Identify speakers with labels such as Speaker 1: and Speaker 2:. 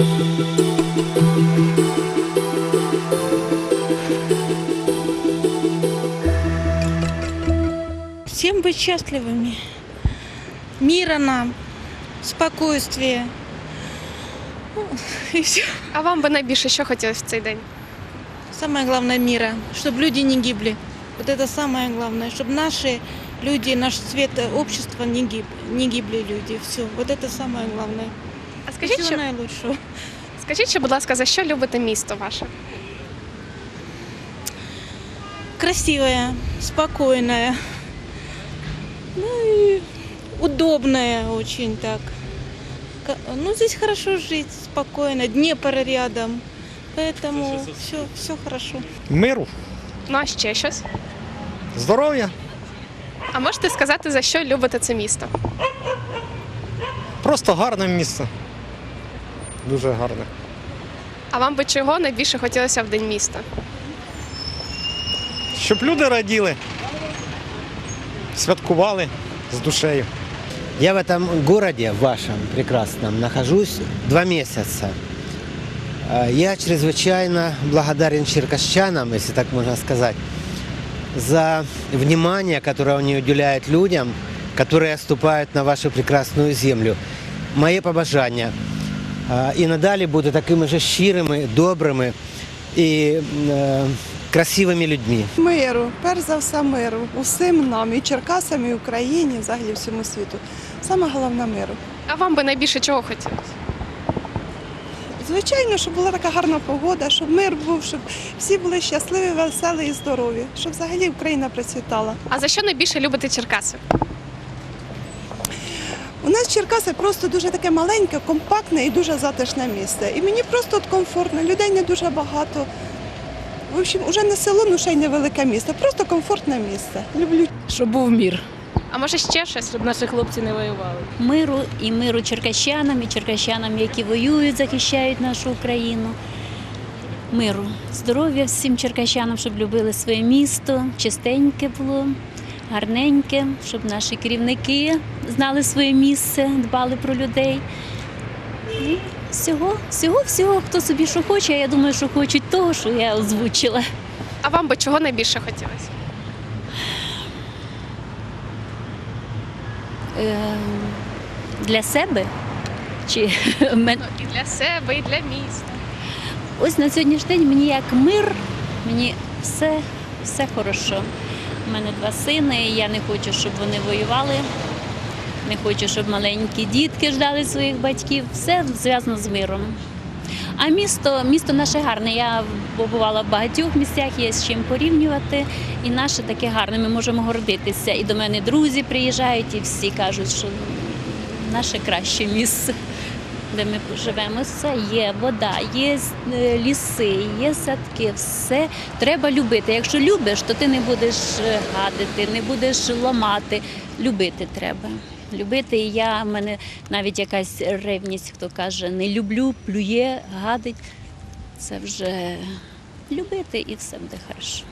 Speaker 1: Всем быть счастливыми, мира нам, спокойствия. И все.
Speaker 2: А вам би найбільше що хотілося в цей день?
Speaker 1: Самое главное мира, чтобы люди не гибли. Вот это самое главное, чтобы наши люди, наш цвет общества не гибли люди. Все, вот это самое главное.
Speaker 2: А скажіть,
Speaker 1: Всего
Speaker 2: що,
Speaker 1: наилучшего.
Speaker 2: будь ласка, за що любите місто ваше?
Speaker 1: Красивая, спокойная, ну и удобная очень так. Ну, здесь хорошо жить, спокойно, Днепр рядом, поэтому все хорошо.
Speaker 3: Миру,
Speaker 2: Ну а ще щось?
Speaker 3: здоров'я,
Speaker 2: А можете сказати, за що любите це місто?
Speaker 3: просто гарне місце. Дуже гарне.
Speaker 2: А вам би чого найбільше хотілося в День міста?
Speaker 3: Щоб люди раділи, святкували з душею.
Speaker 4: Я в этом городе вашем прекрасном нахожусь 2 месяца. Я чрезвычайно благодарен черкасчанам, если так можно сказать, за внимание, которое они уделяют людям, которые ступают на вашу прекрасную землю. Мои побажання і надалі бути такими же щирими, добрими і красивими людьми.
Speaker 5: Миру, перш за все миру. Усім нам, і Черкасам, і Україні, взагалі всьому світу. Саме головне миру.
Speaker 2: А вам би найбільше чого хотілося?
Speaker 5: Звичайно, щоб була така гарна погода, щоб мир був, щоб всі були щасливі, веселі і здорові, щоб взагалі Україна процвітала.
Speaker 2: А за що найбільше любите Черкаси?
Speaker 5: У нас Черкаси просто дуже таке маленьке, компактне і дуже затишне місце. І мені просто от комфортно, людей не дуже багато. В общем, уже не село, ну ще й невелике місто, просто комфортне місце. Люблю.
Speaker 6: Щоб був мір,
Speaker 2: А може ще щось?
Speaker 6: щоб наші хлопці не воювали.
Speaker 7: Миру і миру черкащанам, які воюють, захищають нашу Україну. Миру, здоров'я всім черкащанам, щоб любили своє місто, чистеньке було, гарненьке, щоб наші керівники знали своє місце, дбали про людей. І всього, хто собі що хоче, а я думаю, що хочуть того, що я озвучила.
Speaker 2: А вам би чого найбільше хотілося?
Speaker 7: Для себе чи
Speaker 2: Ну, і для себе, і для міста.
Speaker 7: ось на сьогоднішній день мені як мир, мені все хорошо. У мене 2 сини, і я не хочу, щоб вони воювали, не хочу, щоб маленькі дітки ждали своїх батьків. Все зв'язано з миром. А місто наше гарне. Я побувала в багатьох місцях, є з чим порівнювати. І наше таке гарне, ми можемо гордитися. І до мене друзі приїжджають, і всі кажуть, що наше краще місце, де ми живемо. Все є, вода, є ліси, є садки, все треба любити. Якщо любиш, то ти не будеш гадити, не будеш ламати. Любити треба. Любити, і в мене навіть якась ревність, хто каже, не люблю, плює, гадить. Це вже любити і все буде хорошо.